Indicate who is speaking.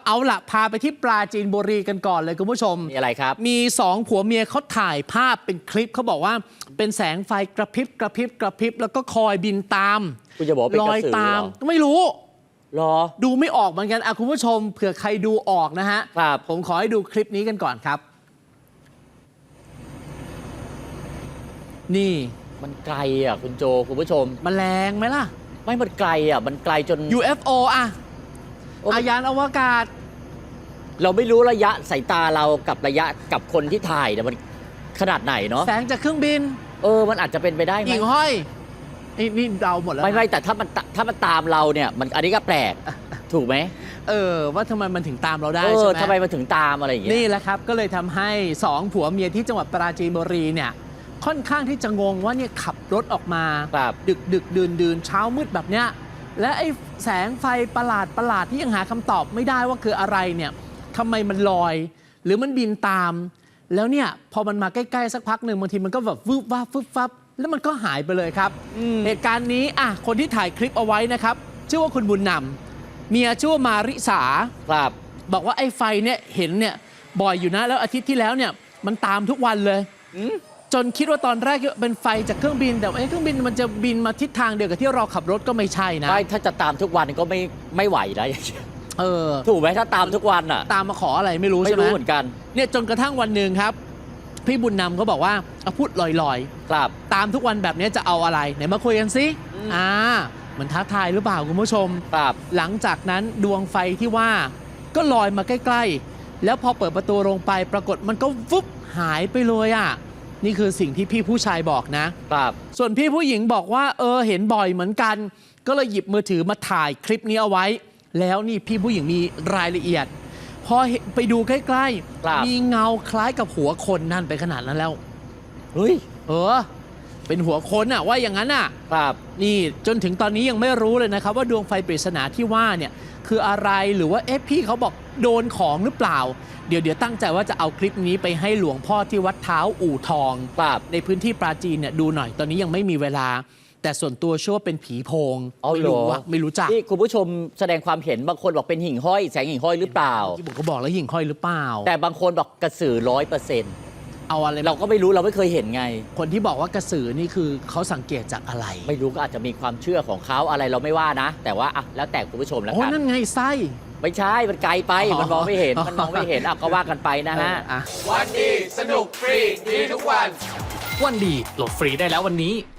Speaker 1: เอาละพาไปที่ปราจีนบุรีกันก่อนเลยคุณผู้ชม
Speaker 2: มีอะไรครับ
Speaker 1: มี2ผัวเมียเขาถ่ายภาพเป็นคลิปเขาบอกว่าเป็นแสงไฟกระพริบกระพริบกระพริบแล้วก็คอยบินตาม
Speaker 2: คุณจะบอกเป็นกระสือ
Speaker 1: ตามไม่รู้
Speaker 2: รอ
Speaker 1: ดูไม่ออกเหมือนกันคุณผู้ชมเผื่อใครดูออกนะฮะ
Speaker 2: ครับ
Speaker 1: ผมขอให้ดูคลิปนี้กันก่อนครับนี่
Speaker 2: มันไกลคุณโจคุณผู้ชม
Speaker 1: มันแรงไหมล่ะ
Speaker 2: ไม่มันไกลมันไกลจน
Speaker 1: UFO ยานอวกาศ
Speaker 2: เราไม่รู้ระยะสายตาเรากับระยะกับคนที่ถ่ายเนี่ยมันขนาดไหนเนาะ
Speaker 1: แสงจากเครื่องบิน
Speaker 2: มันอาจจะเป็นไปได้ไหม
Speaker 1: หญิงห้อยนี่เดาหมดแล้ว
Speaker 2: ไม่แต่ถ้ามันตามเราเนี่ยมันอันนี้ก็แปลกถูกไหม
Speaker 1: ว่าทำไมมันถึงตามเราได้
Speaker 2: ใช่
Speaker 1: ไหม
Speaker 2: ทำไมมันถึงตามอะไรอย่างเงี้ย
Speaker 1: นี่แหละครับก็เลยทำให้2ผัวเมียที่จังหวัดปราจีนบุรีเนี่ยค่อนข้างที่จะงงว่าเนี่ยขับรถออกมาดึกดื่นเช้ามืดแบบเนี้ยและไอ้แสงไฟประหลาดที่ยังหาคำตอบไม่ได้ว่าคืออะไรเนี่ยทำไมมันลอยหรือมันบินตามแล้วเนี่ยพอมันมาใกล้ๆสักพักหนึ่งบางทีมันก็แบบวืบวับฟึบฟับแล้วมันก็หายไปเลยครับเหตุการณ์นี้คนที่ถ่ายคลิปเอาไว้นะครับชื่อว่าคุณบุญนำเมียชื่อว่ามาริสา
Speaker 2: ครับ
Speaker 1: บอกว่าไอ้ไฟเนี่ยเห็นเนี่ยบ่อยอยู่นะแล้วอาทิตย์ที่แล้วเนี่ยมันตามทุกวันเลยจนคิดว่าตอนแรกเป็นไฟจากเครื่องบินแต่เครื่องบินมันจะบินมาทิศทางเดียวกับที่เราขับรถก็ไม่ใช่นะ
Speaker 2: ถ้าจะตามทุกวันก็ไม่ไหวนะถูกไหมถ้าตามทุกวัน
Speaker 1: ตามมาขออะไรไม่รู้ใช่ไหม
Speaker 2: ไม่รู้เหมือนกัน
Speaker 1: เนี่ยจนกระทั่งวันหนึ่งครับพี่บุญนำเขาบอกว่าพูดลอย
Speaker 2: ๆครับ
Speaker 1: ตามทุกวันแบบนี้จะเอาอะไรไหนมาคุยกันสิมันท้าทายหรือเปล่าคุณผู้ชม
Speaker 2: ครับ
Speaker 1: หลังจากนั้นดวงไฟที่ว่าก็ลอยมาใกล้ๆแล้วพอเปิดประตูลงไปปรากฏมันก็ฟุบหายไปเลยนี่คือสิ่งที่พี่ผู้ชายบอกนะครับส่วนพี่ผู้หญิงบอกว่าเห็นบ่อยเหมือนกันก็เลยหยิบมือถือมาถ่ายคลิปนี้เอาไว้แล้วนี่พี่ผู้หญิงมีรายละเอียดพอไปดูใกล้ๆมีเงาคล้ายกับหัวคนนั่นไปขนาดนั้นแล้ว
Speaker 2: เฮ้ย
Speaker 1: เป็นหัวคนว่าอย่างนั้น
Speaker 2: ครับ
Speaker 1: นี่จนถึงตอนนี้ยังไม่รู้เลยนะครับว่าดวงไฟปริศนาที่ว่าเนี่ยคืออะไรหรือว่าพี่เขาบอกโดนของหรือเปล่าเดี๋ยวตั้งใจว่าจะเอาคลิปนี้ไปให้หลวงพ่อที่วัดเท้าอู่ทองในพื้นที่ปราจีนเนี่ยดูหน่อยตอนนี้ยังไม่มีเวลาแต่ส่วนตัวเชื่อว่าเป็นผีโพงไม่รู้จัก
Speaker 2: ที่คุณผู้ชมแสดงความเห็นบางคนบอกเป็นหิ่งห้อยแสงหิ่งห้อยหรือเปล่า
Speaker 1: ที่ผมก็บอกแล้วหิ่งห้อยหรือเปล่า
Speaker 2: แต่บางคนบอกกระสือ100%
Speaker 1: เอาอะไร
Speaker 2: เราก็ไม่รู้เราไม่เคยเห็นไง
Speaker 1: คนที่บอกว่ากระสือนี่คือเขาสังเกตจากอะไร
Speaker 2: ไม่รู้ก็อาจจะมีความเชื่อของเขาอะไรเราไม่ว่านะแต่ว่าแล้วแต่คุณผู้ชมแล้วกัน
Speaker 1: นั่นไงไส้
Speaker 2: ไม่ใช่มันไกลไปมันมองไม่เห็นก็ว่ากันไปนะฮะ
Speaker 3: วันดีสนุกฟรีดีทุกวัน
Speaker 4: วันดีโหลดฟรีได้แล้ววันนี้